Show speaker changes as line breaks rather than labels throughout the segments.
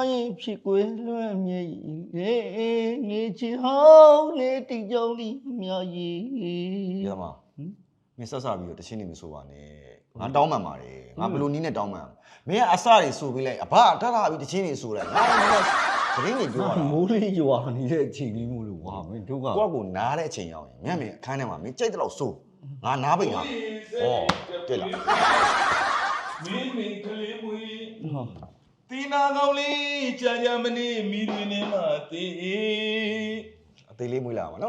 ရင်ဖြစ်ကွယ်လွှမ်းမြေငေချီဟောင်းနေတိကြောင်းဒီမြောက်ကြီး
ရမမင်းဆက်စားပြီးတော့တချင်းနေမဆိုပါနဲ့ငါတောင်းမှန်ပါတယ်ငါဘလို့နီးနဲ့တောင်းမှန်မင်းကအစတွေဆိုပေးလိုက်အဘထထပြီးတချင်းနေဆိုလိုက်ငါကသတင်းတွေပြောတာ
မိုးလေးရွာနေတဲ့အချိန်လေးမို့လို့ဝါမင်းတို့က
ကိုယ့်ကိုနားတဲ့အချိန်ရောက်ရင်မြတ်မင်းအခန်းထဲမှာမင်းကြိုက်တဲ့လောက်ဆိုငါနားပိတ်တာဩတဲ့လား
မင်းကလေးမွေးတီနာကောင်းလေးကြာမနေမိတွင်နေမှာတေး
အသေးလေးမွေးလာမှာနော်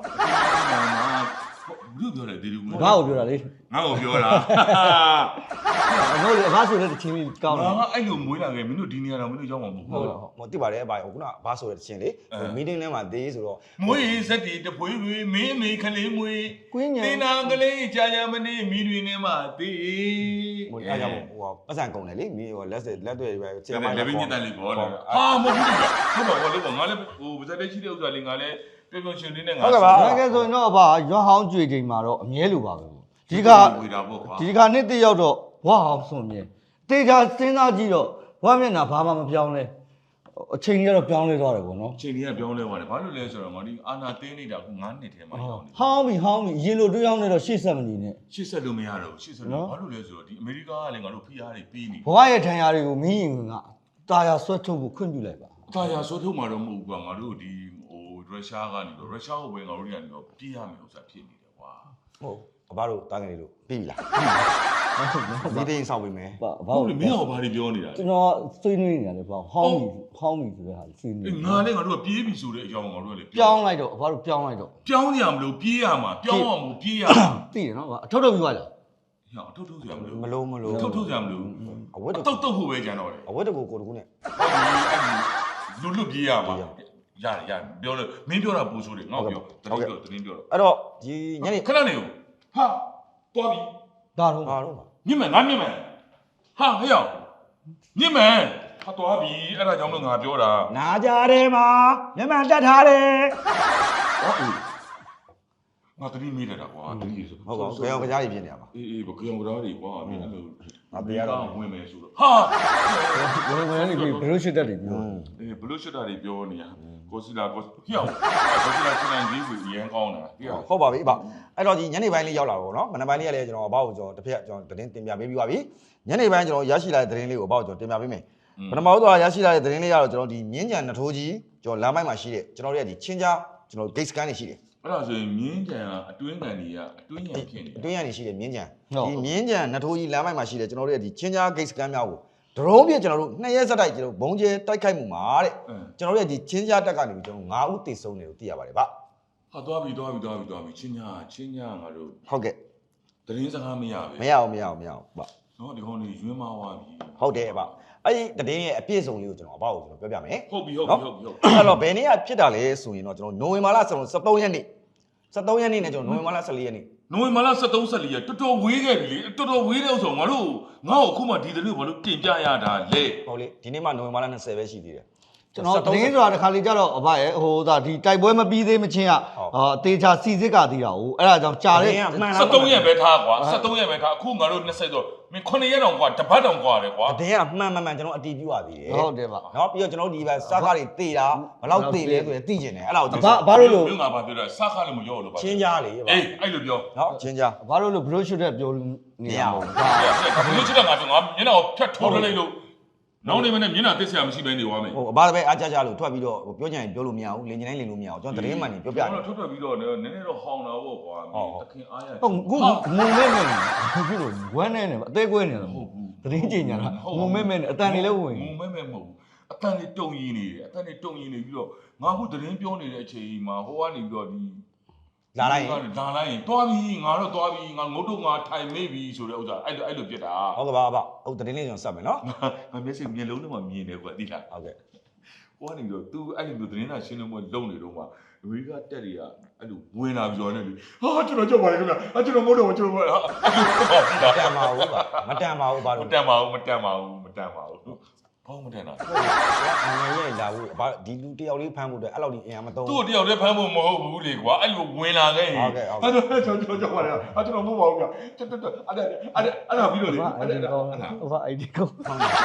ဘူးပြောတယ်ဒီလူ
ငါ့ကိုပြောတာလေ
ငါ့ကိုပြောတာ
ဟုတ်လေအဖဆိုတဲ့တချင်းလေးကောင်းတယ်
ငါအဲ့လိုမွေးလာခဲ့မင်းတို့ဒီနေရာတော့မင်းတို့ရောက်မှာမဟုတ်ဘူး
ဟုတ်တိပါတယ်အဘခုနဘာဆိုတဲ့တချင်းလေမီတင်းထဲမှာသေးဆိုတော့
မွေးစက်တီတပွေးပွေးမင်းအမေခလေးမွေးတီနာကလေးကြာမနေမိတွင်နေမှာတေး
ဟိုအားကြောင့်ဟိုပတ်စံကုန်တယ်လေမီးဟိုလက်တွေပဲ
ကျမလည်းပြင်းတက်လေးပေါ်တယ်ဟာမဟုတ်ဘူးဟုတ်ပါဘူးငါလည်းဟိုပါဇက်တဲ့ရှိတဲ့ဥစ္စာလေးငါလည်းပြောပြောရှင်လေးနဲ့ငါ
ဟုတ်ကဲ့ပါငါကဆိုရင်တော့အဖရွာဟောင်းကြွေချိန်မှာတော့အမြဲလိုပါပဲဒီကနေ့တရောက်တော့ဝါဟောင်းစွန်မြဲတေချာစဉ်းစားကြည့်တော့ဝါမျက်နှာဘာမှမပြောင်းလဲအချိန်ကြီးကတော့ပြောင်းလဲသွားတယ်ပေါ့နော်
အချိန်ကြီးကပြောင်းလဲသွားတယ်ဘာလို့လဲဆိုတော့ငါဒီအာနာတင်းနေတာက9နှစ်ထဲမှာရောက်နေ
ဟောင်းပြီရင်လိုတွေးအောင်နေတော့ရှေ့ဆက်မနေနဲ့
ရှေ့ဆက်လို့မရတော့ဘူးရှေ့ဆက်လို့ဘာလို့လဲဆိုတော့ဒီအမေရိကကလည်းငါတို့ဖိအားတွေပေးနေ
ဘဝရဲ့ထံရတွေကိုမင်းရင်ကတာယာဆွတ်ထုတ်ဖို့ခွင့်ပြုလိုက်ပါ
တာယာဆွတ်ထုတ်မှာတော့မဟုတ်ဘူးကွာငါတို့ဒီရုရှားကနေတော့ရုရှားကိုပဲငါတို့ကနေတော့ပြေးရမယ်ဥစ္စာဖြစ်နေတယ်ကွာ
ဟုတ်အဘတို့တားငယ်လေးတို့ပြီးပြီလားဒီတင်းဆောက်ပြီမယ်
ဟုတ်လေမင်းကဘာတွေပြောနေတာ
ကျွန်တော်ဆွေးနွေးနေတာလေပေါ့ဟောင်းပြီဆိုတဲ့ဟာဆွေးနွေး
ငါလည်းငါတို့ကပြေးပြီဆိုတဲ့အကြောင်းငါတို့ကလေ
ပြောင်းလိုက်တော့အဘတို့ပြောင်းလိုက်တော့
ပြောင်းရမလို့ပြေးရမှာပြောင်းအောင်မပြေးရ
သိရနော်အထုတ်ပြီးသွားလား
ဟောအထုတ်စရာမလို
မလို့
ထုတ်စရာမလို
အဝတ်
တုတ်ဖို့ပဲကြံတော့တယ်
အဝတ်တကူကိုတကူနဲ့
ဟုတ်ပြီအဲ့ဒီလွတ်ပြေးရမှာရတယ်ပြောလို့မင်းပြောတာပူဆိုးတယ်ငါ့ပြောတင်းပြောတော့
အဲ့တော့ဒီညနေ
ခဏနေဦးဟာတွားပြီ
ဒါတော့
မြင့်မယ်ငါမြင့်မယ်ဟာဟဲ့ရောက်မြင့်မယ်ဟာတွားပြီအဲ့ဒါကြောင့်လို့ငါပြောတာ
နာကြတယ်မှာမျက်မှန်တက်ထားတယ်
ဟောအေးငါတတိမိနေတာကွာတတိဆို
ဟုတ်ပါဘူးကြောင်ကြားကြီးဖြစ်နေတာပါ
အေးဘကြောင်ကြားကြီးကွာမင်းအဲ့လို
ငါတရားတော့
ဝင်မယ်ဆိုတော့ဟာ
ဝင်နေပြီဘလို့ရှစ်တက်တွေပြော
အေးဘလို့ရှစ်တက်တွေပြောနေရကိုစီလာကိုဟျောက်ကိုစီလာချင်းနိုင်ကြီးကိုရန်ကောင်းတာဟျောက်
ဟုတ်ပါပြီအဘအဲ့တော့ဒီညနေပိုင်းလေးရောက်လာတော့နော်မနက်ပိုင်းလေးကလည်းကျွန်တော်အဘကိုကျွန်တော်တစ်ဖက်ကျွန်တော်သတင်းတင်ပြပေးပြီးပါပြီညနေပိုင်းကျွန်တော်ရရှိလာတဲ့သတင်းလေးကိုအဘကိုကျွန်တော်တင်ပြပေးမယ်ပထမဆုံးရရှိလာတဲ့သတင်းလေးကတော့ကျွန်တော်ဒီမြင်းကြံနှထိုးကြီးကျွန်တော်လမ်းပိုင်းမှာရှိတဲ့ကျွန်တော်တို့ရဲ့ဒီချင်းကြားကျွန်တော် gate scan တွေရှိတယ်
အဲ့ဒါဆိုရင်မြင်းကြံကအတွင်းကန်တွေကအတွင်းရံဖြစ်နေ
အတွင်းရံနေရှိတယ်မြင်းကြံဒီမြင်းကြံနှထိုးကြီးလမ်းပိုင်းမှာရှိတယ်ကျွန်တော်တို့ရဲ့ဒီချင်းကြား gate scan များကိုဒရုန်းပြကျွန်တော်တို့2ရက်ဆက်တိုက်ကျွန်တော်ဘုံကျဲတိုက်ခိုက်မှုမှာတဲ့ကျွန်တော်တို့ရဲ့ဒီချင်းကြားတက်ကနေပြီးကျွန်တော်9ဦးတည်ဆုံးတယ်လို့သိရပါတယ်ဗျ
ဟာသွားပြီချင်းညာငါတို့
ဟုတ်ကဲ့
သတင်းစကားမရပဲ
မရအောင်ဗျ
နော်ဒီကောင်လေးရွှင်းမဝါပြီ
ဟုတ်တယ်ဗျအဲ့ဒီသတင်းရဲ့အပြည့်စုံလေးကိုကျွန်တော်အပေါ့ကိုကျွန်တော်ပြောပြမယ်
ဟုတ်ပြီအဲ့
တော့ဘယ်နေ့ကဖြစ်တာလဲဆိုရင်တော့ကျွန်တော်နိုဝင်ဘာလ13ရက်နေ့နဲ့ကျွန်တော်နိုဝင်ဘာလ14ရက်နေ့
နိုဝင်ဘာလ13 14ရက်တော်တော်ဝေးခဲ့ပြီလေတော်တော်ဝေးတဲ့ဥစ္စာငါတို့အခုမှဒီသတင်းဘာလို့တင်ပြရတာလဲ
ဟုတ်လေဒီနေ့မှနိုဝင်ဘာလ20ပဲရှိသေးတယ်
ကျွန်တော်သတင်းဆိုတာတစ်ခါလေကြတော့အဘရဲ့ဟိုဒါဒီတိုက်ပွဲမပြီးသေးမချင်းကအသေးချာစီစစ်ကသေးတာဟုတ်အဲ့ဒါကြောင့်ကြာတဲ့
13ရက်ပဲထားကွာ13ရက်ပဲထားအခုငါတို့20ဆိုမင်း9ရက်တောင်ကွာတပတ်တောင်ကွာတယ်ကွာ
တကယ်ကမှန်ကျွန်တော်အတီးပြရသေးတယ်
ဟုတ်တယ်ဗျ
เนาะပြီးတော့ကျွန်တော်ဒီဘက်စားခါတွေတေးတာဘယ်လောက်တေးလဲဆိုရင်သိကျင်တယ်အဲ့ဒါကို
ဘာလို့လို့
ငါဘာပြောတာစားခါလည်းမရောလို့ပါ
ချင်းကြားလေ
အေးအဲ့လိုပြော
เนาะချင်းကြား
ဘာလို့လို့ဘရိုရှုတက်ပြောနေရမှာ
ဘရိုရှုတက်ငါမျက်နှာကိုဖြတ်ထိုးလိုက်လို့နောက်နေမနဲ့မျက်နှာတစ်ဆရာမရှိဘဲနေသွားမယ်
ဟုတ်အဘတပည့်အားကြကြလို့ထွက်ပြီးတော့ပြောကြရင်ပြောလို့မရဘူးလင်ကျင်တိုင်းလင်လို့မရဘူးကျွန်တော်သတင်းမှန်နေပြောပြတယ်
ထွက်ပြီးတော့နည်းနည်းတော့ဟောင်းတာပေါ့ကွာတခင်အားရ
ဟုတ်ခုငုံမဲမဲဖြစ်လို့ဝမ်းနေတယ်အသေးကွဲနေတယ်မဟုတ်ဘူးသတင်းကြင်ညာငုံမဲမဲအတန်တွေလည်းဝင်
ငုံမဲမဲမဟုတ်ဘူးအတန်တွေတုံရင်းနေတယ်အတန်တွေတုံရင်းနေပြီးတော့ငါခုသတင်းပြောနေတဲ့အချိန်မှာဟိုကနေပြီးတော့ဒီ
လာလိုက်
ရင်တွားပြီးငါတော့တွားပြီးငါငုတ်တော့ငါထိုင်မေးပြီးဆိုတဲ့ဥစ္စာအဲ့လိုပြစ်တာ
ဟုတ်ကဲ့ပါဟုတ်သတင်းလေးကျွန်တော်စပ်မယ်နော်
ငါမျက်စိမျက်လုံးထဲမှာမြင်တယ်ကွာသိလား
ဟုတ်ကဲ့
ဟိုကနေတော့ तू အဲ့လိုသတင်းသာရှင်းလို့မလုံနေတော့မှအမေရိကတက်တွေကအဲ့လိုဝင်လာပြီးတော့ねဟာကျွန်တော်ကြောက်ပါလေခင်ဗျာကျွန်တော်မဟုတ်တော့ကျွန်တော်
မတန်ပါဘူးပါမတန်ပါဘူးဘာလို့
မတန်ပါဘူးဘာမှမတန်တာ
ငယ်ရဲ့လာဘူးဘာဒီလူတယောက်လေးဖမ်းဖို့အတွက်အဲ့လောက်ဒီအင်အားမသုံး
သူ့တယောက်လေးဖမ်းဖို့မဟုတ်ဘူးလေကွာအဲ့လိုဝင်လာခဲ့
ဟုတ်ကဲ့
ကျွန်တော်ကြောက်ပါလေကျွန်တော်မဟုတ်ပါဘူးဗျအဲ့ဒါပြီးတော့လေ
အဲ့ဒါ ID ကော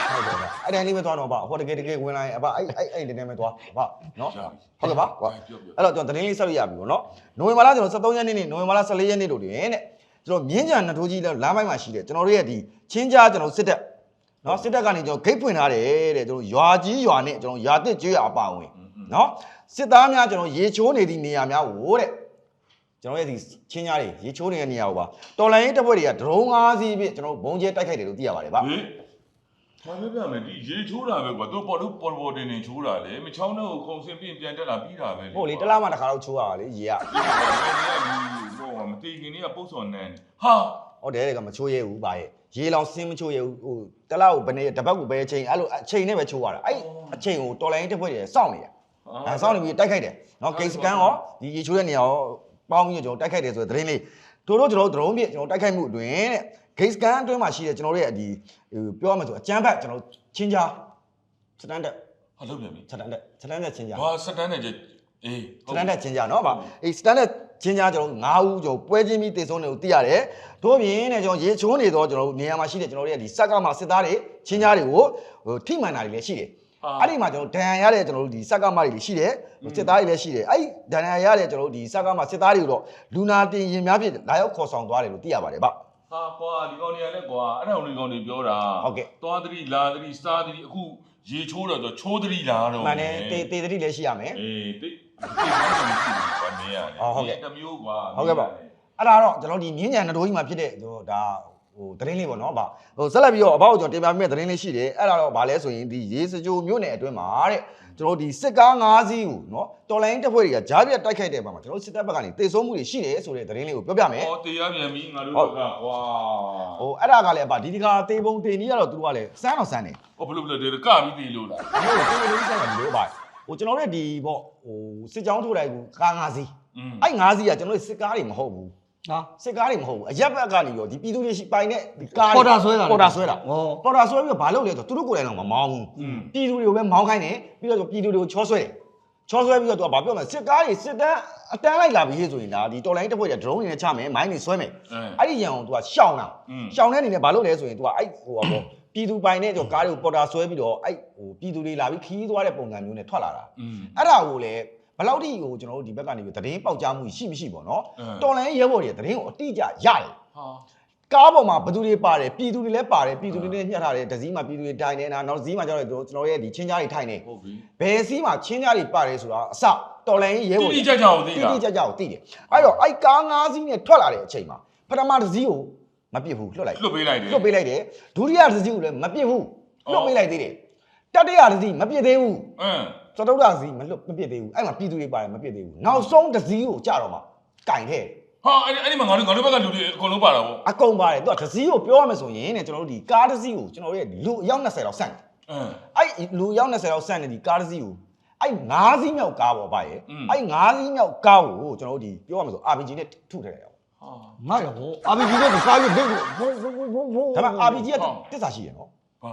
အဲ့တိုင်းလေးပဲသွားတော့ပါဟိုတကယ်ဝင်လာရင်အဘအဲ့ဒီနဲ့ပဲသွားပါနော်ဟုတ်ကဲ့ပါကွာအဲ့တော့ကျွန်တော်သတင်းလေးဆက်ရပြီပေါ့နော်နိုဝင်ဘာလကျွန်တော်23ရက်နေ့နဲ့နိုဝင်ဘာလ14ရက်နေ့တို့တွင်တဲ့ကျွန်တော်မြင်းကြံနှထိုးကြီးလမ်းပိုင်းမှာရှိတယ်ကျွန်တော်တို့ရဲ့ဒီချင်းကြားကျွန်တော်စစ်တပ်နော်စစ်တပ်ကနေကျွန်တော်ဂိတ်ဖွင့်ထားတယ်တဲ့ကျွန်တော်ရွာကြီးရွာနဲ့ကျွန်တော်ရွာတစ်ကျွေးအပါဝင်နော်စစ်သားများကျွန်တော်ရေချိုးနေသည့်နေရာများကိုတဲ့ကျွန်တော်ရဲ့ဒီချင်းကြားတွေရေချိုးနေတဲ့နေရာကိုပါတော်လိုင်းရေးတပ်ဖွဲ့တွေကဒရုန်း5စီးဖြင့်ကျွန်တော်ဘုံကျဲတိုက်ခိုက်တယ်လို့သိရပါတယ်ဗျ
ဘာပဲပြမယ်ဒီရေချိုးတာပဲကွာသူပေါ်တင်ချိုးတာလေမချောင်းတော့ခုံစင်ပြင်ပြန်တက်လာပြီးတာပဲ
ဟုတ်လေတလားမှတစ်ခါတော့ချိုးရတာလေရေက
ဟိုမတီခင်ကြီးကပုတ်စော်နန်းဟာ
ဟုတ်တယ်ကမချိုးရဲဘူးဗျာရေလောင်စင်းမချိုးရဲဘူးဟိုတလားကိုဘယ်နေတပတ်ကိုပဲအချိန်အဲ့လိုအချိန်နဲ့ပဲချိုးရတာအဲ့အချိန်ကိုတော်လိုင်းတက်ဖွဲ့တွေစောင့်နေတာအဲစောင့်နေပြီးတိုက်ခိုက်တယ်နော်ဂိတ်စကန်ရောဒီရေချိုးတဲ့နေရာရောပေါင်းပြီးကျွန်တော်တိုက်ခိုက်တယ်ဆိုတဲ့သတင်းလေးတို့ကျွန်တော်ဒရုန်းပြကျွန်တော်တိုက်ခိုက်မှုအတွင်းတဲ့ဂိတ်စကန်အတွင်းမှာရှိတဲ့ကျွန်တော်တို့ရဲ့ဒီပြောရမယ်ဆိုအကျန်းဖက်ကျွန်တော်ချင်းကြားစတန်ဒတ်
ဟာလုပ်ပြန်ပြီ
စတန်ဒတ်ချင်းကြား
ဟာစတန်ဒတ်အေး
စတန်ဒတ်ချင်းကြားနော်ဗျအေးစတန်ဒတ်ချင်းကြားကျွန်တော်9ဦးကျွန်တော်ပွဲချင်းပြီးတည်ဆုံးတယ်ကိုသိရတယ်တို့ပြင်တဲ့ကျွန်တော်ရေချိုးနေတော့ကျွန်တော်နေရာမှာရှိတဲ့ကျွန်တော်တို့ရဲ့ဒီစက်ကမှစစ်သားတွေချင်းကြားတွေကိုဟိုထိမှန်တာတွေလည်းရှိတယ်အဲ့ဒီမှာကျွန်တော်ဒဏ်ရာရတဲ့ကျွန်တော်တို့ဒီစက်ကမှတွေလည်းရှိတယ်စစ်သားတွေလည်းရှိတယ်အဲ့ဒဏ်ရာရတဲ့ကျွန်တော်တို့ဒီစက်ကမှစစ်သားတွေကိုတော့လူနာတင်ရင်များဖြစ်လာရောက်ခေါ်ဆောင်သွားတယ်လို့သိရပါတယ်ဗျ
ဟာကွာဒီကောင်တွေကလည်းကွာအဲ့ဒါဒီကောင်တွေပြောတာ
ဟုတ်ကဲ့
သွားသတိလာသတိစားသတိအခုရေချိုးတော့ချိုးသတိလာတော့
မှန်တယ်တေသတိလည်းရှိရမယ်
အေးတေဘာနေရလဲ
ဟုတ်ကဲ့
တမျိုးကွာ
ဟုတ်ကဲ့ပါအဲ့ဒါတော့ကျွန်တော်ဒီမြင်းကြံနှတိုးကြီးမှာဖြစ်တဲ့ဒါဟိုသတင်းလေးပေါ့နော်ဗျဟိုဆက်လက်ပြီးတော့အဘောက်ကျွန်တော်တင်ပြပေးမယ့်သတင်းလေးရှိတယ်အဲ့ဒါတော့ဗာလဲဆိုရင်ဒီရေစကြိုမြို့နယ်အတွင်းမှာတဲ့ကျွန်တော်ဒီစစ်ကား5စီးကိုနော်တော်လိုင်းတပ်ဖွဲ့တွေကကြားပြတ်တိုက်ခိုက်တဲ့ပုံမှာကျွန်တော်စစ်တပ်ဘက်ကနေတေဆုံးမှုတွေရှိတယ်ဆိုတဲ့သတင်းလေးကိုပြောပြမယ်
ဟောတရားပြန်ပြီငါတို့ကကွာ
ဟိုအဲ့ဒါကလည်းဒီဒီကတေပုံတေနီးကတော့သူတို့ကလည်းစမ်းတော့စမ်းတယ်
ဟောဘလို့ကပြီးသေးလို့လား
ဟိုတေပုံစမ်းတယ်လို့ဗျဟိုကျွန်တော်တို့ဒီပေါ့ဟိုစစ်ကြောင်းထိုးတိုင်းကိုကား5စီးအဲ့5စီးကကျွန်တော်တို့စစ်ကားတွေမဟုတ်ဘူးဟာစစ်ကားတွေမဟုတ်ဘူးအရက်ဘက်ကနေရောဒီပြည်သူတွေရှိပိုင်တဲ့ဒီကား
ပေါ်တာဆွဲတာ
ပေါ်တာဆွဲပြီးတော့ဘာလုပ်လဲဆိုတော့သူတို့ကိုယ်တိုင်တော့မမောင်းဘူးပြည်သူတွေကိုပဲမောင်းခိုင်းတယ်ပြီးတော့ပြည်သူတွေကိုချောဆွဲတယ်ချောဆွဲပြီးတော့သူကဘာပြောမလဲစစ်ကားတွေစစ်တန်းအတန်းလိုက်လာပြီးဆိုရင်ဒါဒီတော်လိုင်းတစ်ဖွဲ့တွေဒရုန်းတွေနဲ့ချမယ်မိုင်းတွေဆွဲမယ်အဲ့ဒီရန်ကိုသူကရှောင်းတာရှောင်းတဲ့အနေနဲ့ဘာလုပ်လဲဆိုရင်သူကအဲ့ဟိုပါပေါ့ပြည်သူပိုင်တဲ့ကားတွေကိုပေါ်တာဆွဲပြီးတော့အဲ့ဟိုပြည်သူတွေလာပြီးခီးသွားတဲ့ပုံစံမျိုးနဲ့ထွက်လာတာအဲ့ဒါကိုလည်းဘယ်လောက်ထိကိုကျွန်တော်တို့ဒီဘက်ကနေပြီးသတင်းပေါက်ကြားမှုရှိမရှိပေါ့နော်တော်လိုင်းရဲဘော်တွေသတင်းကိုအတိအကျရတယ်ဟာကားပေါ်မှာဘသူတွေပါတယ်ပြည်သူတွေလည်းပါတယ်ပြည်သူတွေနဲ့ညှက်ထားတယ်ဒဇီးမှာပြည်သူတွေတိုင်နေတာနောက်ဇီးမှာကျတော့ကျွန်တော်ရဲ့ဒီချင်းကြားတွေထိုင်နေ
ဟုတ်ပြီ
ဘယ်စီးမှာချင်းကြားတွေပါတယ်ဆိုတာအစတော်လိုင်းရဲဘော်
တိတိကျကျကိုသိတာ
တိတိကျကျကိုသိတယ်အဲ့တော့အဲ့ကား5စီးနဲ့ထွက်လာတဲ့အချိန်မှာပထမဒဇီးကိုမပစ်ဘူးလွတ်
ပေးလိုက်တယ်
ဒုတိယဒဇီးကိုလည်းမပစ်ဘူးလွတ်ပေးလိုက်သေးတယ်တတိယဒဇီးမပစ်သေးဘူးသတုဒ္ဒစီမပစ်သေးဘူးအဲ့မှာပြည်သူတွေပါတယ်မပစ်သေးဘူးနောက်ဆုံးဒဇီးကိုကြတော့မှကင်ထဲ
ဟာအဲ့ဒီမှာငါတို့ဘက်ကလူတွေအကုန်လုံးပါတာဗော
အကုန်ပါတယ်သူကဒဇီးကိုပြောရမယ်ဆိုရင်တဲ့ကျွန်တော်တို့ဒီကားဒဇီးကိုကျွန်တော်တို့ရဲ့လူအယောက်20လောက်ဆန့်တယ်အဲ့လူအယောက်20လောက်ဆန့်နေဒီကားဒဇီးကိုအဲ့5စီးမြောက်ကားပေါ့ဗျရဲ့အဲ့5စီးမြောက်ကားကိုကျွန်တော်တို့ဒီပြောရမယ်ဆို RPG နဲ့ထုထည့်တယ်
ဟာငါရော RPG နဲ့ကားရွတ်ဘိတ်ဘုံ
ဒါပေမဲ့ RPG ကတစ္ဆာရှိရနော်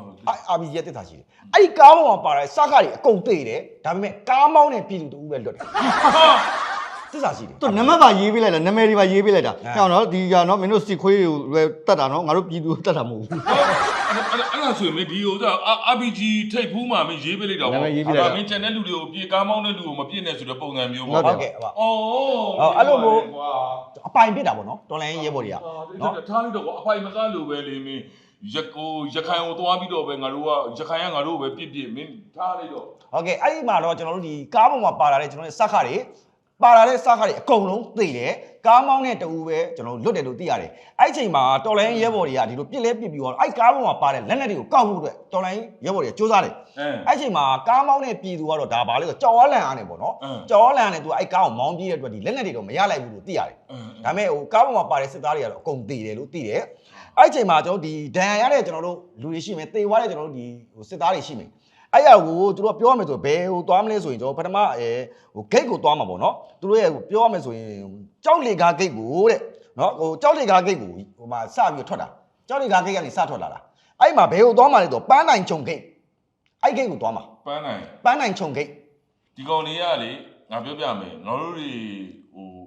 RPG ရဲ့တက်တာရှိတယ်အဲ့ဒီကားပေါ်မှာပါတဲ့စကားတွေအကုန်သိတယ်ဒါပေမဲ့ကားမောင်းတဲ့ပြည်သူတူပဲလွတ်တယ်တက်တာရှိတယ်
သူနံပါတ်ပါရေးပေးလိုက်လားနာမည်တွေပါရေးပေးလိုက်တာဟဲ့နော်ဒီကနော်မင်းတို့စစ်ခွေးတွေတတ်တာနော်ငါတို့ပြည်သူတတ်တာမဟုတ်ဘူး
အဲ့ဒါဆိုရင်ဒီဟိုက RPG ထိတ်ဖူးမှာမင်းရေးပေးလိုက်တော့
မင်း
ကျန်တဲ့လူတွေကိုပြေကားမောင်းတဲ့လူကိုမပြစ်နဲ့ဆိုတဲ့ပုံစံမျိုး
ပေါ့ဟုတ်ကဲ့ဟုတ်အဲ့လိုမျိုးအပိုင်ပြစ်တာပေါ့နော်တော်လိုင်းရဲဘော်တွေက
နော်ထားလိုက်တော့အပိုင်မကားလို့ပဲလေမင်းရခိုင်ကိုသွားပြီးတော့ပဲငါတို့ကရခိုင်ကငါတို့ပဲပြစ်မင်းထားလိုက်တော့
ဟုတ်ကဲ့အဲ့ဒီမှာတော့ကျွန်တော်တို့ဒီကားပေါ်မှာပါလာတဲ့ကျွန်တော်တို့စက်ခါတွေပါလာတဲ့စက်ခါတွေအကုန်လုံးသိတယ်ကားမောင်းတဲ့တူပဲကျွန်တော်တို့လွတ်တယ်လို့သိရတယ်အဲ့ဒီအချိန်မှာတော်လိုင်းရဲဘော်တွေကဒီလိုပြစ်လဲပြစ်ပြီးတော့အဲ့ကားပေါ်မှာပါတဲ့လက်နက်တွေကိုကောက်ဖို့အတွက်တော်လိုင်းရဲဘော်တွေကစူးစမ်းတယ်အဲ့ဒီအချိန်မှာကားမောင်းတဲ့ပြည်သူကတော့ဒါပါလေဆိုကြော်ဝါလန်အားနဲ့ပေါ့နော်ကြော်ဝါလန်နဲ့သူအဲ့ကားကိုမောင်းပြေးတဲ့အတွက်ဒီလက်နက်တွေတော့မရလိုက်ဘူးလို့သိရတယ်ဒါပေမဲ့ဟိုကားပေါ်မှာပါတဲ့စစ်သားတွေကတော့အကုန်သိတယ်လို့သိတယ်အဲ့ချိန်မှာကျွန်တော်ဒီဒဏ်ရာရတဲ့ကျွန်တော်တို့လူတွေရှိမယ်တေသွားတဲ့ကျွန်တော်တို့ဒီဟိုစစ်သားတွေရှိမယ်အဲ့ရကိုသူတို့ပြောရမယ်ဆိုဘယ်ဟိုသွားမလဲဆိုရင်ကျွန်တော်ပထမဟိုဂိတ်ကိုသွားမှာပေါ့နော်သူတို့ရဲ့ပြောရမယ်ဆိုရင်ကြောက်လေကားဂိတ်ကိုတဲ့နော်ဟိုကြောက်လေကားဂိတ်ကိုဟိုမှာစပြီးထွက်တာကြောက်လေကားဂိတ်ကနေစထွက်လာတာအဲ့မှာဘယ်ဟိုသွားမှာလဲဆိုပန်းနိုင်ချုံဂိတ်အဲ့ဂိတ်ကိုသွားမှာ
ပန်းနိုင်
ချုံဂိတ်
ဒီကောင်လေးကလေငါပြောပြမယ်ငါတို့တွေဟို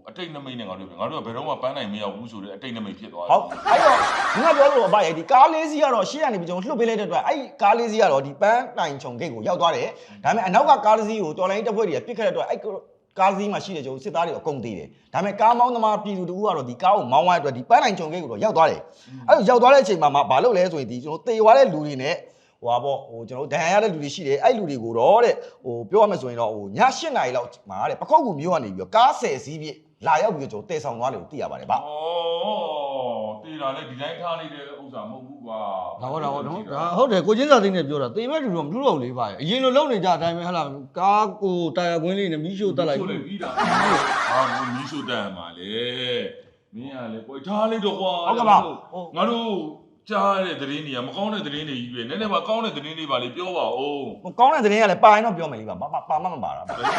အတိတ်နမိတ်နဲ့ငါတို့ဘယ်တော့မှပန်းနိုင်မရောက်ဘူးဆိုတဲ့အတိတ်နမိတ်ဖြစ်သွားတယ်
ဟုတ်အဲ့တော့ဒီကပြောလို့အဘရဲ့ဒီကားလေးစီးကတော့ရှေ့ကနေပြီးကျွန်တော်လှုပ်ပေးလိုက်တဲ့အတွက်အဲ့ကားလေးစီးကတော့ဒီပန်းတိုင်ချုံဂိတ်ကိုရောက်သွားတယ်ဒါပေမဲ့အနောက်ကကားလေးစီးကိုတော်လိုင်းတပ်ဖွဲ့တွေကပြစ်ခတ်တဲ့အတွက်အဲ့ကားစီးမှာရှိတဲ့ကျွန်တော်စစ်သားတွေအကုန်သေးတယ်ဒါပေမဲ့ကားမောင်းသမားပြည်သူတို့ကတော့ဒီကားကိုမောင်းသွားတဲ့အတွက်ဒီပန်းတိုင်ချုံဂိတ်ကိုတော့ရောက်သွားတယ်အဲ့လိုရောက်သွားတဲ့အချိန်မှာဘာလုပ်လဲဆိုရင်ဒီကျွန်တော်တေသွားတဲ့လူတွေနဲ့ဟိုပါပေါ့ဟိုကျွန်တော်ဒဏ်ရာရတဲ့လူတွေရှိတယ်အဲ့လူတွေကိုတော့တဲ့ဟိုပြောရမယ်ဆိုရင်တော့ဟိုည8 နာရီလောက်မှာတဲ့ပခုတ်ကူမျိုးကနေပြီးတော့ကား10စီးပြည့်လာရောက်ပြီးတော့ကျွန်တော်တည်ဆောင်သွားတယ်လို့သိရပါတယ်ဗျ
ဩတေးတာလေဒီတိုင်းထားလိုက်တဲ့ဥစ္စာမဟုတ်ဘူးကွာ
ဒါဟုတ်တယ်ကိုချင်းစာသိန်းနဲ့ပြောတာတေးမဲ့လူတော့မလူတော့လေးပါရဲ့အရင်လိုလုံနေကြအတိုင်းပဲဟလာကားကိုတာယာကွင်းလေးနဲ့မီးရှို့တက်လိုက်
ဆိုလေပြီးတာဟာမီးရှို့တက်မှာလေမင်းကလေကိုထားလိုက်တော့ကွာငါတို့ကြားတဲ့သတင်းတွေကမကောင်းတဲ့သတင်းတွေကြီးပဲနည်းနည်းပါကောင်းတဲ့သတင်းလေးပါလေပြောပါဦး
ဟိုကောင်းတဲ့သတင်းကလည်းပါရင်တော့ပြောမယ်လေးပါပါမပါတာ
ဟုတ်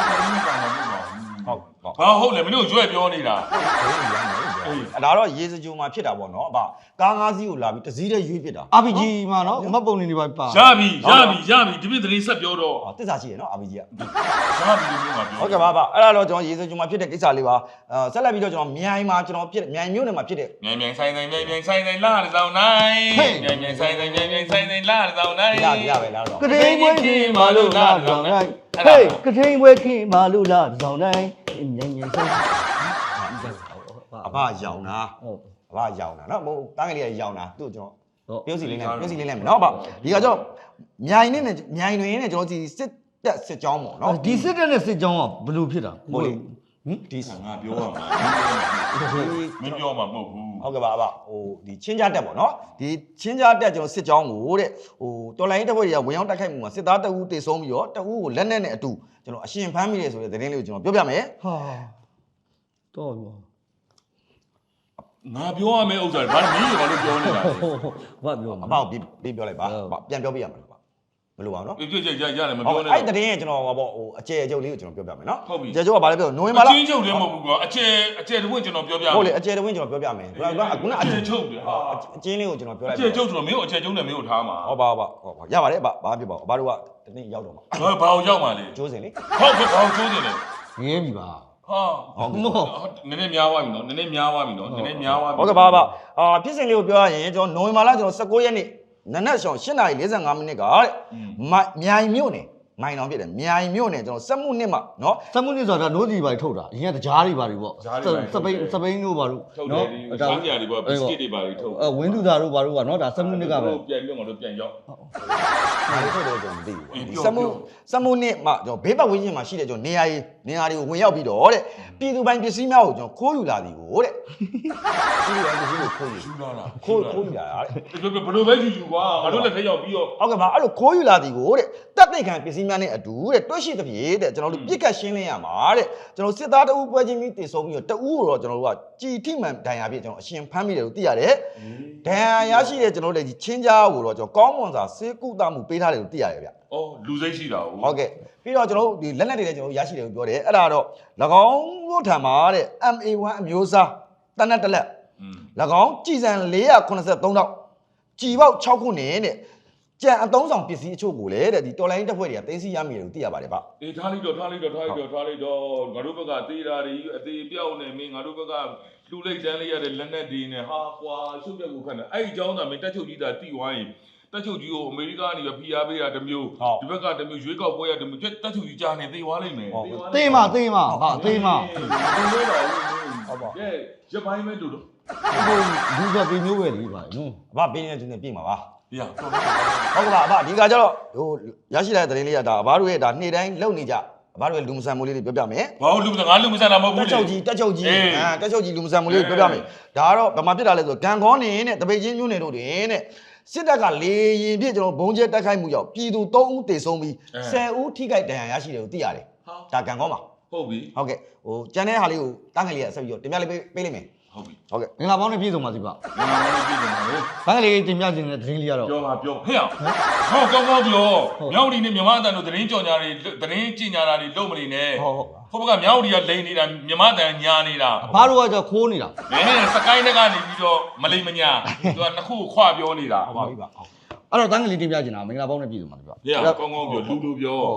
ဘာဟုတ်လဲမင်းတို့ရွက်ပြောနေတာ
အဲ့ဒါတော့ရေစကြိုမှာဖြစ်တာပေါ့နော်အဘကား၅စီးကိုလာပြီးတစ်စီးတည်းရွေးဖြစ်တာ
RPG မှာနော်မတ်ပုံနေနေပါပါ
ရပြီဒီပြသတင်းဆက်ပြောတော့
တစ္ဆာရှိရနော် RPG က
ရပြီလို့ပြော
ဟုတ်ကဲ့ပါအဲ့ဒါတော့ကျွန်တော်ရေစကြိုမှာဖြစ်တဲ့ကိစ္စလေးပါဆက်လက်ပြီးတော့ကျွန်တော်မြိုင်မှာကျွန်တော်ဖြစ်မြိုင်မြို့နယ်မှာဖြစ်တဲ့
မြိုင်ဆိုင်လာတဲ့ဆောင်နိုင်မြိုင်ဆိုင်လာတဲ့ဆောင်နိုင်
ရပဲလားတော့
ကထိန်ပွဲခင်မာလို့လာဆောင်တိုင်းဟေးကထိန်ပွဲခင်မာလို့လာဆောင်တိုင်းညင်ဆိုင်
အဘရောင်တာ
ဟုတ်
အဘရောင်တာနော်ဟိုတန်းကလေးကရောင်တာသူ့ကျွန်တော်ပြုတ်စီလေးနဲ့မယ်နော်အဘဒီကကျွန်တော်မြိုင်တွင်နဲ့ကျွန်တော်ဒီစစ်ကြောင်းပေါ့နော်
ဒီစစ်တပ်နဲ့စစ်ကြောင်းကဘယ်လိုဖြစ်တာဟိုလေ
ဒီ
ငါပြောရမှာမင်းပြောမှာမဟုတ်ဘူး
ဟုတ်ကဲ့ပါအဘဟိုဒီချင်းကြားတက်ပေါ့နော်ဒီချင်းကြားတက်ကျွန်တော်စစ်ကြောင်းကိုတဲ့ဟိုတော်လိုင်းတပ်ဖွဲ့တွေကဝင်ရောက်တိုက်ခိုက်မှုမှာစစ်သားတအူးတေဆုံးပြီးတော့တအူးကိုလက်နက်နဲ့အတူကျွန်တော်အရှင်ဖမ်းမိတယ်ဆိုတဲ့သတင်းလေးကိုကျွန်တော်ပြောပြမယ်
ဟာတော့ရော
ငါပြောရမယ့်ဥစ္စာဘာမင်းရောလို့ပြောနေတာ
ဘာပြော
အ
မှာ
ဘောက်ပြီးပြောလိုက်ပါပြန်ပြောပြရမှာပါဘယ်လိုပါနော်
ပြည့်ရတယ်မ
ဟုတ်
ပြောနဲ့
အဲ့သတင်းကကျွန်တော်ဟောပေါ့ဟိုအကျယ်အကျုပ်လေးကိုကျွန်တော်ပြောပြမယ်နော်
ဟုတ်ပြီ
အကျယ်ကျုပ်ကဘာလဲပြောနိုဝင်ဘာလ
အချင်းချုပ်လည်းမဟုတ်ဘူးကွာအကျဲတဝင့်ကျွန်တော်ပြောပြ
ဟုတ်လေအကျယ်တဝင်းကျွန်တော်ပြောပြမယ်ခုနကအကျယ်
ချုပ်တယ်ဟာ
အကျဉ်းလေးကိုကျွန်တော်ပြောလိုက်
အကျဲချုပ်ဆိုတော့မင်းကိုအကျဲချုပ်နဲ့မင်းကိုထားမှာ
ဟုတ်ပါရပါတယ်ဘာဖြစ်ပါဘာတို့ကတနေ့ရောက်တော့မှာ
ဘာကိုရောက်မှာလဲ
ကျိုးစင်လေ
ဟုတ်ကဲ့ဘာကိုကျိုးနေလဲ
ငဲပြီပါ
ဟာနည်းနည်းများသွားပြီနော်နည်းနည်းများသွားပြီနော်နည်းနည်းများသွားပြီ
ဟုတ်ကဲ့ပါဖြစ်စဉ်လေးကိုပြောရရင်ကျွန်တော်နိုဝင်ဘာလကျွန်တော်19ရက်နေ့နနက်ရှောင်း8:45မိနစ်ကတဲ့မြိုင်မြို့နယ်မိုင်တောင်ဖြစ်တယ်မြိုင်မြို့နယ်ကျွန်တော်စက်မှုနှစ်မှာနော်
စက်မှုနစ်ဆိုတာနိုးစီပါထုတ်တာအရင်ကတကြားတွေပါတွေပေါ့စပိန်တို့ပါတို့
ထုတ်တယ်ဒီစားကြတွေပေါ့ဘစ်ကစ်တွေပါတွေထုတ်
ဝင်းသူသားတို့ပါတို့ကနော်ဒါစက်မှုနစ်ကပဲ
ပြန်ပြီးတော့ပြန်ရောက်
ဒါလေးထုတ်တယ်ကျွန်တော်မသိဘူးစက်မှုနှစ်မှာကျွန်တော်ဘေးပတ်ဝန်းကျင်မှာရှိတဲ့ကျွန်တော်နေရာတွေကိုဝင်ရောက်ပြီးတော့တဲ့ပြည်သူပိုင်းပစ္စည်းများကိုကျွန်တော်ခိုးယူလာသည်ကိုတဲ့ပြည်သူပိုင်းပစ္စည်းကိုခိုးယူ
ယူလာလား
ခိုးယူလာတာတဲ့
ဘယ်လိုပဲယူကွာငါတို့လည်းထက်ရောက်ပြီးတော့
ဟုတ်ကဲ့ပါအဲ့လိုခိုးယူလာသည်ကိုတဲ့တပ်သိခံပစ္စည်းများနဲ့အတူတဲ့တွဲရှိသဖြင့်တဲ့ကျွန်တော်တို့ပြစ်ကတ်ရှင်းလင်းရမှာတဲ့ကျွန်တော်စစ်သားတအူးပွဲချင်းပြီးတည်ဆုံးပြီးတော့တအူးကိုတော့ကျွန်တော်တို့ကကြည်ထိမှန်ဒဏ်ရာပြည့်ကျွန်တော်အရှင်ဖမ်းမိတယ်လို့သိရတယ်ဒဏ်ရာရရှိတဲ့ကျွန်တော်တို့လည်းချင်းကြားကိုတော့ကျွန်တော်ကောင်းမွန်စွာဆေးကုသမှုပေးထားတယ်လို့သိရတယ်ဗျ
အော်လူစိတ်ရှိတာဟုတ်
ဟုတ်ကဲ့ပြီးတော့ကျွန်တော်တို့ဒီလက်နက်တွေလည်းကျွန်တော်ရရှိတယ်လို့ပြောတယ်အဲ့ဒါတော့၎င်းတို့ထံမှာတဲ့ MA1 အမျိုးအစားတနက်တစ်လက်၎င်းကြည်စံ483တောက်ကြည်ပေါက်6ခုနဲ့တဲ့ကြံအသုံးဆောင်ပစ္စည်းအချို့ကိုလည်းတဲ့ဒီတော်လိုင်းတပ်ဖွဲ့တွေကတင်းစီရမိတယ်လို့သိရပါတယ်ဗျ
အေးထားလိုက်တော့ငါတို့ဘက်ကသေးတာတွေအသေးပြောက်နေမင်းငါတို့ဘက်ကလူလိုက်တန်းလေးရတဲ့လက်နက်တွေနဲ့ဟာကွာရှုပ်ရက်ကိုခတ်နေအဲ့ဒီအကြောင်းသာမင်းတက်ချုပ်ကြီးသာတိဝိုင်းတက်ချုပ်ကြီးကိုအမေရိကန်ကနေပဲဖိအားပေးတာတစ်မျိုးဒီဘက်ကတစ်မျိုးရွေးကောက်ပွဲရတစ်မျိုးတက်ချုပ်ကြီးကြားနေသိသွားလိမ့်မယ်
သေးမဟာသေးမ
ဒီလိုတော့ဟုတ်ပါရပိုင်းမဲ့တို့
ဟိုလူကပြေမျိုးပဲလေပါနော်
အဘပေးနေတဲ့သူနဲ့ပြင်ပါပါ
ပြဟုတ်
ဟုတ်ကဲ့ပါအဘဒီကကျတော့ဟိုရရှိလာတဲ့သတင်းလေးကဒါအဘတို့ရဲ့ဒါနေ့တိုင်းလုပ်နေကြအဘတို့ရဲ့လူမဆန်မိုးလေးတွေပြောပြမယ်
ဘာလို့ငါလူမဆန်တာမဟုတ်ဘူး
တက်ချုပ်ကြီးတက်ချုပ်ကြီးလူမဆန်မိုးလေးတွေပြောပြမယ်ဒါကတော့ဗမာပြစ်တာလဲဆိုဂန်ခေါနေနဲ့တပိတ်ချင်းမျိုးနယ်တို့တွင်တဲ့စစ်တပ်ကလေရင်ပြည့်ကျွန်တော်ဘုံကျဲတက်ခိုက်မှုကြောင့်ပြည်သူ3ဦးတေဆုံးပြီး10ဦးထိခိုက်ဒဏ်ရာရရှိတယ်လို့သိရတယ်ဒါဂန်ခေါမှာ
ဟုတ်ပြီ
ဟုတ်ကဲ့ဟိုကျန်တဲ့ဟာလေးကိုတန်းငယ်လေးကဆက်ပြီးတော့တင်ပြလေးပေးလိုက်မယ်
ဟုတ်ပြီ
ဟုတ်ကဲ့
ငင်္ဂလာပေါင်းနဲ့ပြည့်စုံပါစီပါ
ငါလည်းပြည်တယ်လေ
ဘန်းကလေးတင်ပြခြင်းနဲ့သတင်းလေးကတော့
ပြောပါပြောဟဲ့အောင်ဟောကောင်းပြောမြောက်ဒီနဲ့မြန်မာအတန်တို့သတင်းကြော်ညာတွေသတင်းကြင်ညာတာတွေလုံးမနေနဲ့
ဟုတ်
ဘက်ကမြောက်ဒီကလိန်နေတာမြန်မာအတန်ညာနေတာ
ဘာတို့ကကြောခိုးနေတာ
မင်းစကိုင်းတက်ကနေပြီးတော့မလိမ်မညာသူကနှစ်ခုခွပြောနေတာ
ဟုတ်ပါပြီပါ
အဲ့တော့တန်းကလေးတင်ပြခြင်းတာမင်္ဂလာပေါင်းနဲ့ပြည့်စုံပါစီပါ
ဟဲ့အောင်ကောင်းပြောလူပြော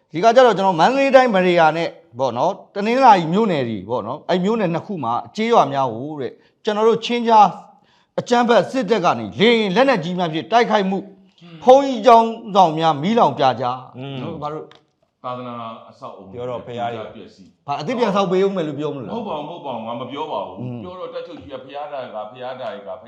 ဒီကကြတော့ကျွန်တော်မန္တလေးတိုင်းမရေယာနဲ့ပေါ့နော်တနင်္လာရီမြို့နယ်ကြီးပေါ့နော်အဲ့မြို့နယ်နှစ်ခုမှာကြေးရွာများကိုတဲ့ကျွန်တော်တို့ချင်းကြားအကြမ်းဖက်စစ်တပ်ကနေလေရင်လက်နက်ကြီးများဖြင့်တိုက်ခိုက်မှုဖုံးကြီးကြောင်းဆောင်များမီးလောင်ပြကြနော်ဘာလို့
သာသနာအဆောက်အုံပြည့်စည်
ဘာအစ်ပြန်ဆောက်ပေးဦးမယ်လို့ပြောမလို့
မဟုတ်ပါဘူးငါမပြောပါဘူးပြောတော့တက်ချုပ်ကြီးကဖျားတိုင်းကနဲ့ဩဖျားတိုင်းက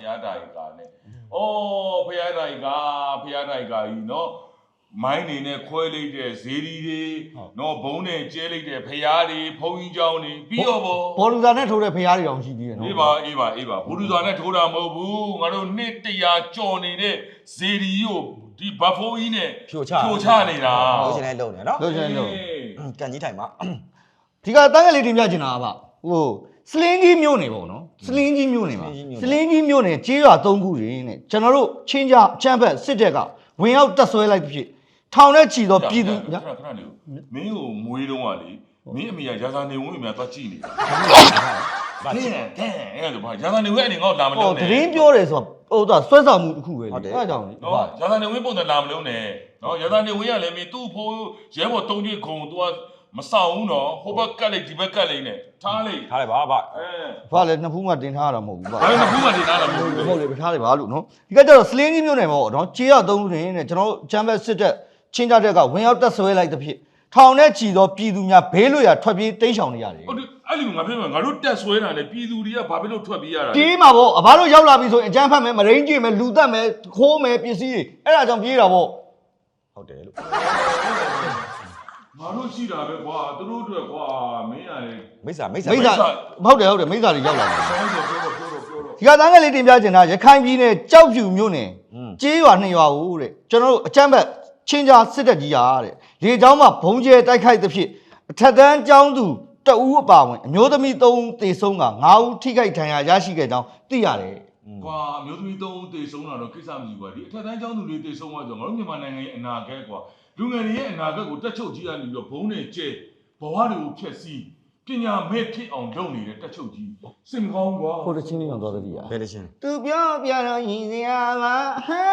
ကြီးနော်မိုင်းနေနဲ့ခွဲလိုက်တဲ့ဇေဒီတွေနော်ဘုံနဲ့ကျဲလိုက်တဲ့ဖျားတွေဖုံးကြီးเจ้าနေပြီးတော့
ဘော်လူသာနဲ့ထိုးတဲ့ဖျားတွေတောင်ရှိသေးတယ်နော်
အေးပါဘူလူသာနဲ့ထိုးတာမဟုတ်ဘူးငါတို့နှစ်တရာကြော်နေတဲ့ဇေဒီကိုဒီဘတ်ဖိုးကြီးနဲ့ဖြိုချနေတာ
လို့ရှင်လည်းလုံနေနော်
လို့ရှင်လို့
ကန်ကြီးထိုင်မှာ
ဒီကတန်းကလေးတင်ပြချင်တာကဟိုစလင်းကြီးမြို့နယ်ပေါ့နော်စလင်းကြီးမြို့နယ်မှာစလင်းကြီးမြို့နယ်ကြေးရွာ3ခုရင်းနဲ့ကျွန်တော်တို့ချင်းကြချမ်းဘက်စစ်တပ်ကဝင်ရောက်တက်ဆွဲလိုက်ဖြစ်ထောင်နဲ့ချီတော့ပြည်သူ
ခဏလေးမင်းကိုမွေးတော့ကလေမင်းအမေကရာဇာနေဝင်အများသွားကြည့်နေတာဘာလဲအဲ့ဒါဘာရာဇာနေဝင်အနေငေါ့လာမလုံးနဲ့
တရင်ပြောတယ်ဆိုတော့ဟိုဆွဲဆောင်မှုတစ်ခုပဲလေအဲ့ကြောင့်လေ
နော်ရာဇာနေဝင်ပုံစံလာမလုံးနဲ့နော်ရာဇာနေဝင်ကလည်းမင်းသူ့ဖိုးရဲဘော်3ကျွေးခုံ तू မဆောင်ဘူးနော်ဟိုဘက်ကက်လိုက်ဒီဘက်ကက်လိုက်နဲ့ထားလိုက်
ပါဗျ
ဘာလဲနှစ်ဖူးမှတင်ထားတာမဟုတ်ဘူး
ဗျဘာလဲနှစ်ဖူးမှတင်ထားတာမဟုတ်ဘူး
ဟုတ်လေထားလိုက်ပါလို့နော်ဒီကကျတော့စလင်းကြီးမြို့နယ်ပေါ့နော်ကြေးရ3ခုနဲ့ကျွန်တော်ချမ်းဘက်စစ်တပ်ချင်းကြတဲ့ကဝင်ရောက်တက်ဆွဲလိုက်တဲ့ဖြစ်ထောင်နဲ့ချီသောပြည်သူများဘေးလွတ်ရာထွက်ပြေးတိမ်းရှောင်နေရတယ်
ဟုတ်တယ်အဲ့လိုငါပြောမှာငါတို့တက်ဆွဲတာလေပြည်သူတွေကဘာဖြစ်လို့ထွက်ပြေးရတာလဲ
ပြေးမှာပေါ့အဘတို့ရောက်လာပြီဆိုရင်အကြမ်းဖက်မယ်မရင်းကြည့်မယ်လူတက်မယ်ခိုးမယ်ပစ္စည်းတွေအဲ့ဒါကြောင့်ပြေးတာပေါ့
ဟုတ်တယ်လို့
ငါတို့ရှိတာပဲကွာသူတို့အတွက်ကွာမင်းရတယ်
မိစ္ဆာ
ဟုတ်တယ်မိစ္ဆာတွေရောက်လာတယ်ဒီကတန်းကလေးတင်ပြချင်တာရခိုင်ပြည်နယ်ကြောက်ဖြူမြို့နယ်ကြေးရွာ2ရွာကိုတဲ့ကျွန်တော်တို့အကြမ်းဖက်ချင်းကြားစစ်တပ်ကြီးရာတဲ့လေကြောင်းမှာဘုံကျဲတိုက်ခိုက်တဲ့ဖြစ်အထက်တန်းကျောင်းသူတအူးအပါဝင်အမျိုးသမီး3ဦးသေဆုံးက9ဦးထိခိုက်ဒဏ်ရာရရှိခဲ့ကြောင်းသိရတယ်
ကွာအမျိုးသမီး3ဦးသေဆုံးတာတော့ကိစ္စမရှိဘူးကွာဒီအထက်တန်းကျောင်းသူတွေသေဆုံးသွားဆိုတော့ငါတို့မြန်မာနိုင်ငံရဲ့အနာဂတ်ကွာလူငယ်တွေရဲ့အနာဂတ်ကိုတက်ချုပ်ကြီးကနေပြီးတော့ဘုံနဲ့ကျဲဘဝတွေကိုဖျက်ဆီးပညာမဲ့ဖြစ်အောင်လုပ်နေတဲ့တက်ချုပ်ကြီးစင်ကောင်းကွာ
ကိုတချင်းလေးအောင်သွားသတိရ
ဘယ်တချင်း
သူပြောပြတော့ရင်စရာပါ
ဟဲ့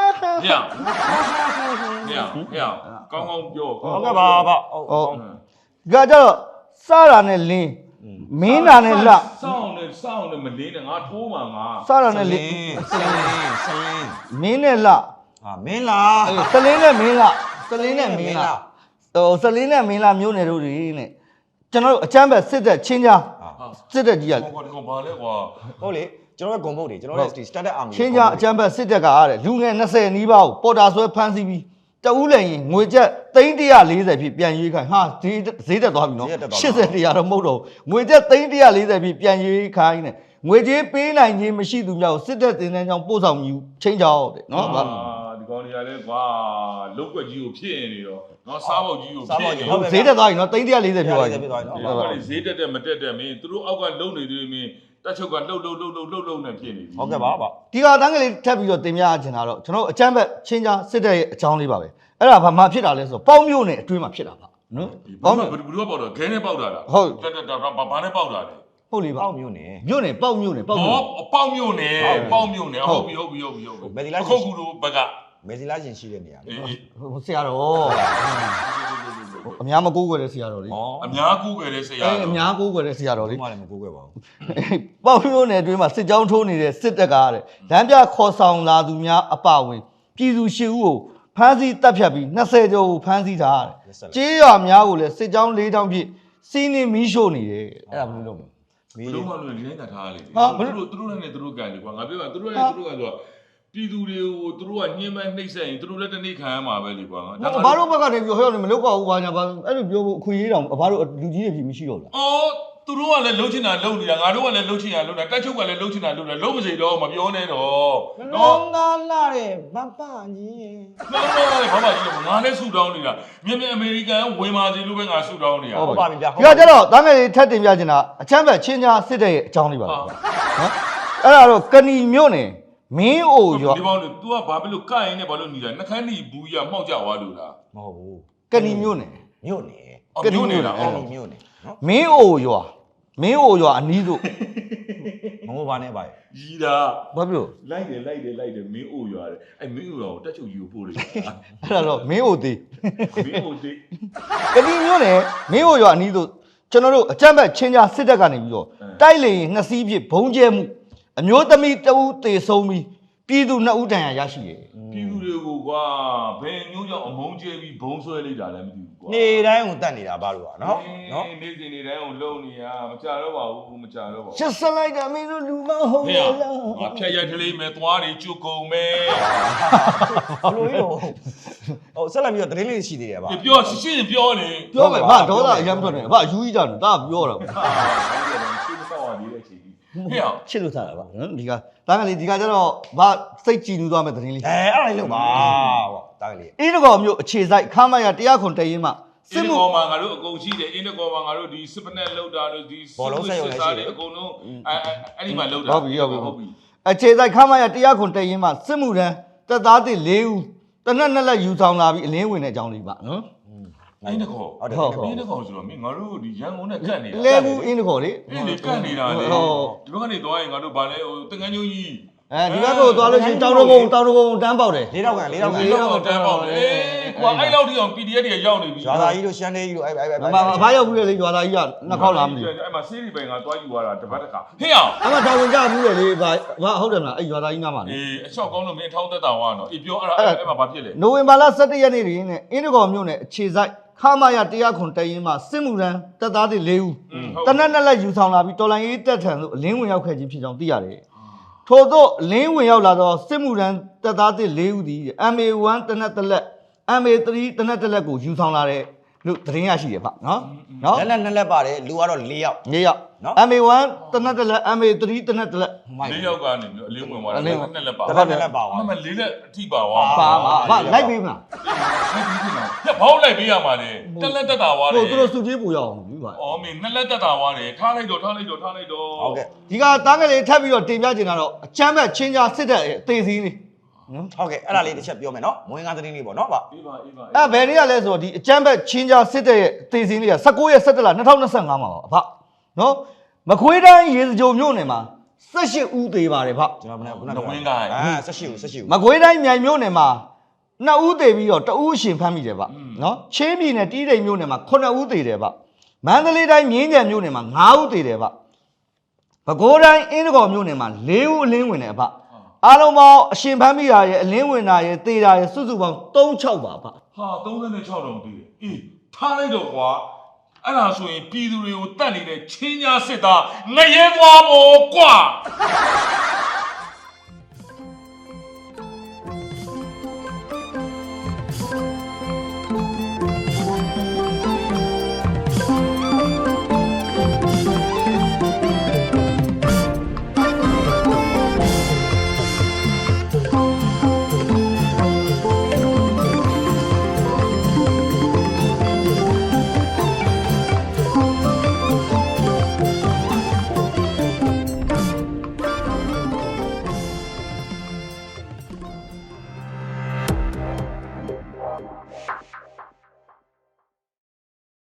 ကောင်းပြော
ဟုတ်ကဲ့ပါဗျ
ဟုတ်ကြတော့စတာနဲ့လင်းမင်းတာနဲ့လ
စောင်းနဲ့မလင်းနဲ့ငါထိုးမှာငါ
စတာနဲ့လင်း
စလင်း
မင်းနဲ့လ
မင်းလား
စလင်းနဲ့မင်းလားစလင်းနဲ့မင်းလားစလင်းနဲ့မင်းလားမျိုးနယ်တို့တွေနဲ့ကျွန်တော်တို့အချမ်းဘက်စစ်တပ်ချင်းကြားစစ်တပ်ကြီးက
ဟောဒီကောင်ဘာလဲကွာ
ဟုတ်လေကျွန်တော်ရဲ့ဂုံဘုတ်တွေကျွန်တော်ရဲ့ standard army
ချင်းကြားအချမ်းဘက်စစ်တပ်ကတဲ့လူငယ်20နီးပါးကိုပေါ်တာဆွဲဖမ်းဆီးပြီးတဦးလည်းရင်ငွေကျပ်340ဖြစ်ပြန်ရွေးခိုင်းဟာဈေးတက်သွားပြီနော်80တရားတော့မဟုတ်တော့ငွေကျပ်340ဖြစ်ပြန်ရွေးခိုင်းနဲ့ငွေကြေးပေးနိုင်ခြင်းမရှိသူများကိုစစ်တပ်တင်တဲ့ကြောင့်ပို့ဆောင်ယူချင်းကြောက်တဲ့နော်
ဒီကောင်တွေကလည်းကွာလုတ်ွက်ကြီးကိုဖြစ်နေတော့နော်စားပေါက်ကြီးကိုဖြစ်နေ
ဈေးတက်သွားပြီနော်340ပြောသွားပြီ
ဈေးတက်မတက်မင်းသူတို့အောက်ကလုံနေသေးမင်းတက်ချုပ်ကလှုပ်နဲ့ဖြစ်နေပြီ
ဟုတ်ကဲ့ပါ
ဒီကတန်းကလေးထပ်ပြီးတော့တင်ပြချင်တာတော့ကျွန်တော်အချမ်းဘက်ချင်းကြားစစ်တပ်ရဲ့အကြောင်းလေးပါပဲအဲ့ဒါဘာမှဖြစ်တာလဲဆိုတော့ပေါင်းမျိုးနဲ့အတွင်းမှာဖြစ်တာပါနော်
ပေါင်းဘယ်သူကပေါက်တာခဲနဲ့ပေါက်တာလား
ဟုတ်
ဘာနဲ့ပေါက်တာလဲ
ဟုတ်လေပါ
ပေါက်မျိုးနဲ့
ပေါက်မျိုးနဲ့
ပေါက်မျိုးနဲ့ဟုတ်ပြီ
မယ်ဒီလား
ခုတ်ကူတို့ဘက်က
မယ်ဒီလားရှင်ရှိတဲ့နေရာ
လေဆရာတော်အများမကိုးကွယ်တဲ့ဆရာတော်လေ
အများကိုးကွယ်တဲ့ဆရာတော်
အများကိုးကွယ်တဲ့ဆရာတော်လေ
မှလည်းမကိုးကွယ်ပါဘူး
ပေါက်မျိုးနဲ့အတွင်းမှာစစ်ကြောင်းထိုးနေတဲ့စစ်တပ်ကတဲ့လမ်းပြခေါ်ဆောင်လာသူများအပဝင်ပြည်သူ၈ဦးကိုဖမ်းဆီးတပ်ဖြတ်ပြီး20ကျော်ကိုဖမ်းဆီးထားတယ်ကြေးရွာများကိုလည်းစစ်ကြောင်း၄တောင်းပြည့်စီးနေမီးရှို့နေတယ်အဲ့ဒါဘယ်လိုလုပ်မလဲ
လုံးဝလို့လင်းတာထားလေသူတို့နဲ့သူတို့ကန်လေကွာငါပြောတာသူတို့ကဆိုတော့ပြည်သူတွေကိုသူတို့ကညှင်းပန်းနှိပ်စက်ရင်သူတို့လည်းတနေ့ခံရမှာပဲလေကွာ
ဘာလို့ဘက်ကနေပြောဟဲ့မလုပ်ပါဘူးဘာညာဘာအဲ့လိုပြောဖို့အခွင့်အရေးတောင်ဘာလို့လူကြီးတွေဖြစ်မရှိတော့လား
အော်သူတို့ကလည်းလှုပ်ချင်တာလှုပ်နေတာငါတို့ကလည်းလှုပ်ချင်တာလှုပ်တာတက်ချုပ်ကလည်းလှုပ်ချင်တာလှုပ်တာလှုပ်မစေတော့မပြောနဲ့တော့
နော်ငါလာတယ်ဘပကြီး
နော်ဘာကြီးငါလည်းဆူတောင်းနေတာမြင်အမေရိကန်ဝင်ပါစီလို့ပဲငါဆူတောင်းနေတာ
ဟုတ်ပါပြီဗျာ
ဒီကကျတော့တန်းငယ်လေးထပ်တင်ပြချင်တာအချမ်းဘက်ချင်းကြားစစ်တဲ့ရဲ့အကြောင်းလေးပါနော်အဲ့ဒါတော့ကဏီမြို့နယ်မင်းအိုရွာ
ဒီပေါင်း तू ကဘာဖြစ်လို့ကရင်နဲ့ဘာလို့နေတာနှခမ်းနီဘူးရမှောက်ကြသွားလို့လား
မဟုတ်ဘူး
ကဏီမြို့နယ်
မြို့နယ်
ကဏီမြို့နယ်လား
ကဏီမြို့နယ်
မင်းအိုရွာမင်းအိုရွာအနီးတို့
ငိုပါနဲ့ပါ
ရီတာ
ဘာဖြစ်လို့
လိုက်တယ်မင်းအိုရွာတယ်အဲ့မင်းအိုရွာကိုတက်ချုပ်ကြီးကိုပို့လိုက်တာ
အဲ့ဒါတော့မင်းအိုသေး
မင်းအိုတိ
ကတိမျိုးနဲ့မင်းအိုရွာအနီးတို့ကျွန်တော်တို့အကြမ်းဖက်ချင်းကြားစစ်တပ်ကနေပြီးတော့တိုက်လေရင်2စီးဖြစ်ဘုံကျဲမှုအမျိုးသမီးတဦးတေဆုံးပြီးပြည်သူ2ဦးတန်ရာရရှိတယ်
ပြည်သူတွေကိုကွာဘယ်မျိုးကြောင့်အမုန်းကျဲပြီးဘုံဆွဲလိုက်တာလဲမသိဘူးကွာ
နေတိုင်းကိုတတ်နေတာဘာလို့ကနော်
နေ့စဉ်နေ့တိုင်းကိုလုံနေရမကြတော့ပါဘူးမကြတော့ပါဘူး
ရှစ်စလိုက်တာမင်းတို့လူမဟုတ်
ဟဲ့
လား
ငါဖြတ်ရိုက်ထလေးမဲ့သွားနေကျွတ်ကုန်မဲ့
ဘလို့ရောဟိုဆက်လက်ပြီးတော့သတင်းလေးရှိသေးတယ်ဗျာ
ပြောရှင်းပြောနေ
ပြောမယ်ဘာဒေါသအရင်မထွက်နဲ့ဘာယူကြီးကြတယ်ဒါပြောတာ
ရှင်းမဆောက်ရသေးတဲ့ချိန်ကြီးဟဲ့
ချစ်လို့ထားတာပါနော်ဒီကဒါကလေးဒီကကျတော့ဘာစိတ်ကြည်နူးသွားမဲ့သတင်းလေး
အဲ့ဒါလေးလုပ်ပါဟောတာကလေး
အင်းတကောမျိုးအခြေစိုက်ခမ်းမရ100ခွန်တရင်မှ
စစ်မှုကောမှာငါတို့အကုန်ရှိတယ်အင်းတကောမှာငါတို့ဒီစစ်ပနက်လောက်တာလို့ဒီအကုန်လုံးအဲ့ဒီမှာလောက်တာ
ဟုတ်ပြီအခြေစိုက်ခမ်းမရ100ခွန်တရင်မှစစ်မှုရန်တပ်သားသစ်4ဦးတနက်နဲ့လက်ယူဆောင်လာပြီးအလင်းဝင်တဲ့အကြောင်းလေးပါနော်
အင်းတကော
ဟုတ်တယ်
အင်းတကောဆိုတော့မင်းငါတို့ဒီရန်ကုန်နဲ့ကတ်နေတာ
လဲဘူးအင်းတကောလေ
အင်းလေကတ်နေတာလေဒီဘက်ကနေသွားရင်ငါတို့ဗာလဲဟိုတန်ကန်းကျိုးကြီး
အဲဒီဘက်ကိုသွားလို့ရှိရင်တောင်တကုန်းတန်းပေါက်တယ်
၄တောက်ကန်၄တောက်ကန်
ဒီတော့တန်းပေါက်လေကွာအဲ့လောက်ထိအောင် PDF တွေရောက်နေပြီ
ရွာသားကြီးတို့ရှမ်းလေးကြီးတို့အဲ့
အဖားရောက်ပြီးလေရွာသားကြီးကနှစ်ခေါက်လာမလို့
အဲ့မှာစီးရီပိုင်ကတွားယူသွားတာတပတ်တခါဟေ့အောင်
အဲ့မှာတောင်ဝင်ကြဘူးလေဘာဟုတ်တယ်မလားအဲ့ရွာသားကြီးနားမှာလေ
အေးအချောက်ကောင်းလို့မင်းထောင်းသက်တာဝါနော်အေးပြောအဲ့မှာဘာဖြစ်လဲ
နိုဝင်ဘာလ17ရက်နေ့တွင်နဲ့အင်းတကောမြို့နယ်အခြေစိုက်ခမရ100ခွန်တရင်မှစစ်မှုရန်တပ်သားတွေ4ဦးတနက်နဲ့လက်ယူဆောင်လာပြီးတော်လိုင်းရေးတပ်ထံသို့အလင်းဝင်ရောက်ခဲ့ခြင်းဖြစ်ကြောင်းသိရတယ်ထို့သောအလင်းဝင်ရောက်လာသောစစ်မှုရန်တပ်သားတွေ4ဦးသည် MA1 တနက်တစ်လက် MA3 တနက်တစ်လက်ကိုယူဆောင်လာတဲ့လို့သတင်းရရှိတယ်ဗျနော်
လက်လက်ပါတယ်လူကတော့4ယောက်
4ယောက် MA1 တနက်တစ်လက် MA3 တနက်တစ်လက်
၄ယောက်ကနေပြီးအလင်းဝင်သွားတယ်နှစ်လက်ပါ
တစ်လက်ပါသွား
မ၄လက်အထိပါဝါ
ပါပါလိုက်ပေးမလား
ပြဘောင်းလိုက်ပေးရမှာလေတက်လက်တက်တာဝါတယ်
ဟိုသူတို့စုကြီးပူရအောင်ပြီပါ
အော်မင်းနှစ်လက်တက်တာဝါတယ်ထားလိုက်တော့
ဟုတ်ကဲ့
ဒီကတားကလေးထပ်ပြီးတော့တင်ပြချင်တာတော့အချမ်းဘက်ချင်းကြားစစ်တဲ့အသေးစည်းလေးနော်
ဟုတ်ကဲ့အဲ့ဒါလေးတစ်ချက်ပြောမယ်နော်မွေးငါသတင်းလေးပေါ့နော်ဗျ
အေးပါ
အဲ့ဘယ်နေ့ကလဲဆိုတော့ဒီအချမ်းဘက်ချင်းကြားစစ်တဲ့သေစင်းလေးက19ရက်17လ2025မှာပါအဖနော်မကွေးတိုင်းရေစကြိုမြို့နယ်မှာ18ဦးသေးပါတယ်ဖ
ကျွန်တော်ခုန
ဝင်းကိုင်း
18ဦး
မကွေးတိုင်းမြိုင်မြို့နယ်မှာ2ဦးသေးပြီးတော့2ဦးရှင်ဖမ်းမိတယ်ဖနော်ချင်းပြည်နယ်တီးတိမ်မြို့နယ်မှာ9ဦးသေးတယ်ဖမန္တလေးတိုင်းမြင်းကြံမြို့နယ်မှာ9ဦးသေးတယ်ဖပဲခူးတိုင်းအင်းတကော်မြို့နယ်မှာ4ဦးအလင်းဝင်တယ်ဖအားလုံးပေါင်းအရှင်ဖမ်းမိတာရဲ့အလင်းဝင်တာရဲ့သေတာရဲ့စုစုပေါင်း36ပါဖ
ဟာ36တောင်တည်တယ်အေးထားလိုက်တော့ကွာအဲ့ဒါဆိုရင်ပြည်သူတွေကိုတတ်နေတဲ့ချင်းညာစစ်သားငရဲသွားမို့ကွာ